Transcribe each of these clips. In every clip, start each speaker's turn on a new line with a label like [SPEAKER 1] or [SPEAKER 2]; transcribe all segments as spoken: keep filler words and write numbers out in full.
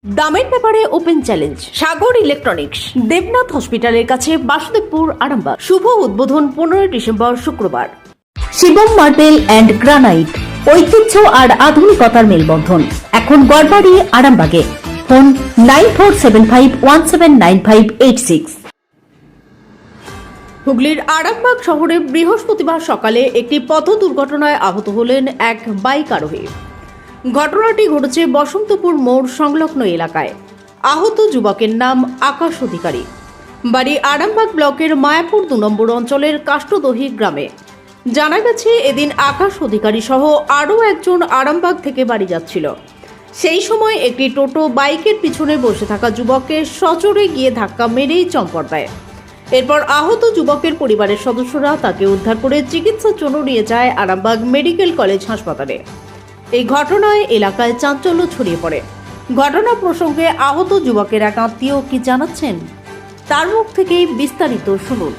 [SPEAKER 1] দামের ব্যাপারে open challenge Sagar electronics, Debnath হসপিটালের কাছে, বাসুদেবপুর, আরামবাগ। শুভ উদ্বোধন পনেরোই ডিসেম্বর শুক্রবার। শিবম মার্বেল অ্যান্ড গ্রানাইট, ঐতিহ্য আর আধুনিকতার মেলবন্ধন, এখন গড়বাড়ি, আরামবাগে। Phone nine four seven five one seven nine five eight six. হুগলির আরামবাগ শহরে বৃহস্পতিবার সকালে একটি পথ দুর্ঘটনায় আহত হলেন এক বাইক আরোহী। ঘটনাটি ঘটেছে বসন্তপুর মোড় সংলগ্ন এলাকায়। আহত যুবকের নাম আকাশ অধিকারী, বাড়ি আরামবাগ ব্লকের মায়াপুর দু নম্বর অঞ্চলের কাষ্টদহি গ্রামে। জানা গেছে, এদিন আকাশ অধিকারী সহ আরও একজন আরামবাগ থেকে বাড়ি যাচ্ছিল। সেই সময় একটি টোটো বাইকের পিছনে বসে থাকা যুবককে সজোরে গিয়ে ধাক্কা মেরেই চম্পট দেয়। এরপর আহত যুবকের পরিবারের সদস্যরা তাকে উদ্ধার করে চিকিৎসার জন্য নিয়ে যায় আরামবাগ মেডিকেল কলেজ হাসপাতালে। এই ঘটনায় এলাকায় চাঞ্চল্য ছড়িয়ে পড়ে। ঘটনা প্রসঙ্গে আহত যুবকের এক আত্মীয় কি জানাচ্ছেন, তার মুখ থেকেই বিস্তারিত শুনুন।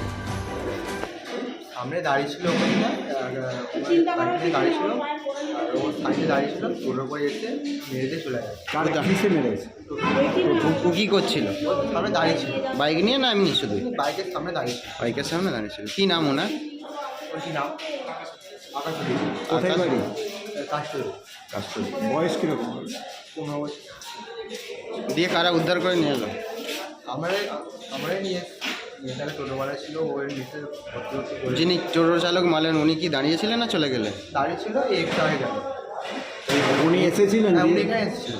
[SPEAKER 2] সামনে দাঁড়িয়ে ছিল ওখানে দাঁড়িয়ে ছিল আর ওর সাইডে দাঁড়িয়ে ছিল, টোটোর পরে এসে মেরেতে চলে গেছে।
[SPEAKER 3] কার কিসে মেরেছে?
[SPEAKER 4] ও কি করছিল?
[SPEAKER 2] সামনে দাঁড়িয়ে ছিল,
[SPEAKER 4] বাইক নিয়ে না এমনি শুধু?
[SPEAKER 2] বাইকের সামনে দাঁড়িয়ে ছিল।
[SPEAKER 4] বাইকের সামনে দাঁড়িয়েছিল। কি নাম ওনার?
[SPEAKER 2] ওর কি নাম? আকাশ
[SPEAKER 3] কোথায় বাড়ি?
[SPEAKER 2] কাস্টরি।
[SPEAKER 3] কাস্টডি। বয়স কিরকম?
[SPEAKER 2] পনেরো বছর।
[SPEAKER 4] দিয়ে কারা উদ্ধার করে নিয়ে এলো?
[SPEAKER 2] আমরাই আমরাই নিয়ে নিয়ে তাহলে টোটোওয়ালা ছিল, ওর নিচে ভর্তি ভর্তি করে
[SPEAKER 4] যিনি টোটো চালক মালেন উনি কি দাঁড়িয়েছিলেন না চলে গেলে?
[SPEAKER 2] দাঁড়িয়ে ছিল, এই একটু আগে গেল।
[SPEAKER 3] উনি এসেছিলেন?
[SPEAKER 2] হ্যাঁ, উনি এখানে এসেছিল।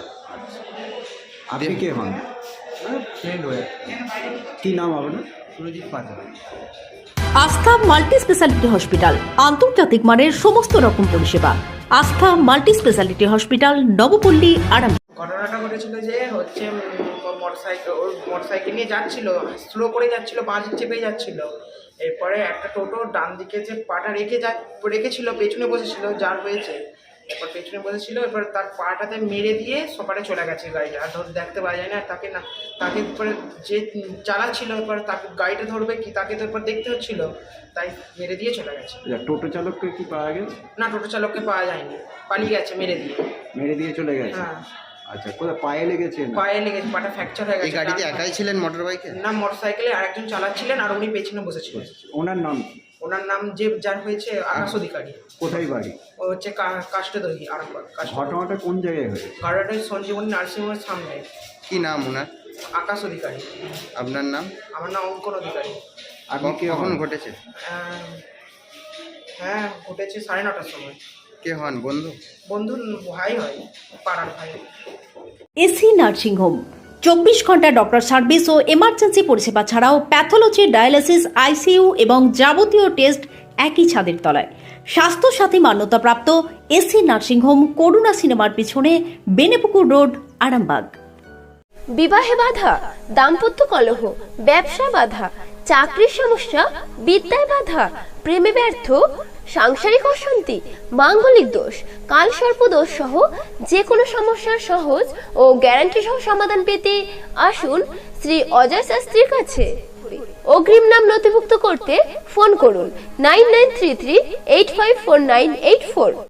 [SPEAKER 3] আপনি কে হন?
[SPEAKER 2] ফ্রেন্ড হয়ে
[SPEAKER 3] কি নাম আপনার?
[SPEAKER 2] সুরজিৎ পাঁচা।
[SPEAKER 1] আস্থা মাল্টি স্পেশালিটি হসপিটাল, আন্তর্জাতিক মানের সমস্ত রকম পরিষেবা। আস্থা মাল্টি স্পেশালিটি হসপিটাল, নবপল্লী, আরাম।
[SPEAKER 5] ঘটনাটা ঘটেছিল যে হচ্ছে মোটরসাইকেল ওর মোটরসাইকেল নিয়ে যাচ্ছিল, স্লো করে যাচ্ছিল, বাস চেপে যাচ্ছিল। এরপরে একটা টোটো ডান দিকে যে পাটা রেখে যা রেখেছিল, পেছনে বসেছিল, যার হয়েছে এরপর পেছনে বসেছিল, এরপর তার পাটাতে মেরে দিয়ে সপারে চলে গেছে গাড়িটা। আর ধর দেখতে পাওয়া যায় না, আর তাকে না তাকে এরপরে যে চালাচ্ছিল এরপর তাকে গাড়িটা ধরবে কি, তাকে তো এরপর দেখতে হচ্ছিল, তাই মেরে দিয়ে চলে গেছে।
[SPEAKER 3] টোটো চালককে কি পাওয়া গেছে?
[SPEAKER 5] না, টোটো চালককে পাওয়া যায়নি, পালিয়ে গেছে মেরে দিয়ে।
[SPEAKER 3] মেরে দিয়ে চলে গেছে?
[SPEAKER 5] হ্যাঁ।
[SPEAKER 3] আচ্ছা, কোথায় পায়ে লেগেছে?
[SPEAKER 5] পায়ে লেগেছে, পাটা ফ্র্যাকচার হয়ে
[SPEAKER 4] এই
[SPEAKER 5] গেছে।
[SPEAKER 4] গাড়িতে একাই ছিলেন মোটর বাইকে?
[SPEAKER 5] না, মোটর সাইকেলে আরেকজন চালাচ্ছিলেন আর উনি পেছনে বসেছিলেন।
[SPEAKER 3] ওনার নাম কি?
[SPEAKER 5] ওনার নাম যে যার হয়েছে আকাশ অধিকারী।
[SPEAKER 3] কোথায় বাড়ি?
[SPEAKER 5] ও হচ্ছে কাষ্টদহি, আরামবাগ।
[SPEAKER 3] ঘটনাটা কোন জায়গায় হয়েছে?
[SPEAKER 5] ঘটনাটা সঞ্জীবনী নার্সিংহোমের সামনে।
[SPEAKER 4] কি নাম ওনার?
[SPEAKER 5] আকাশ অধিকারী।
[SPEAKER 4] আপনার নাম?
[SPEAKER 5] আমার নাম অঙ্কন অধিকারী।
[SPEAKER 3] আপনি কে
[SPEAKER 4] কখন
[SPEAKER 3] হন?
[SPEAKER 4] ঘটেছে?
[SPEAKER 5] আহ, হ্যাঁ, ঘটেছে সাড়ে নটার সময়।
[SPEAKER 4] কে হন? বন্ধু?
[SPEAKER 5] বন্ধুর ভাই হয়, পাড়ার ভাই।
[SPEAKER 1] এসি নার্সিং হোম, চব্বিশ ঘন্টা ডক্টর সার্ভিস ও এমার্জেন্সি পরিষেবা ছাড়াও প্যাথোলজি, ডায়ালিসিস, আইসিইউ এবং যাবতীয় টেস্ট একই ছাদের তলায়। স্বাস্থ্যসাথী মান্যতাপ্রাপ্ত এসি নার্সিং হোম, করুণা সিনেমার পিছনে, বেনেপুকুর রোড, আরামবাগ।
[SPEAKER 6] বিবাহে বাধা, দাম্পত্য কলহ, ব্যবসা বাধা, চাকরির সমস্যা, বিদ্যায় বাধা, প্রেমে ব্যর্থ, সাংসারিক অশান্তি, মাঙ্গলিক দোষ, কালসর্প দোষ সহ যে কোনো সমস্যার সহজ ও গ্যারান্টি সহ সমাধান পেতে আসুন শ্রী অজয় শাস্ত্রীর কাছে। অগ্রিম নাম নথিভুক্ত করতে ফোন করুন nine nine three three eight five four nine eight four.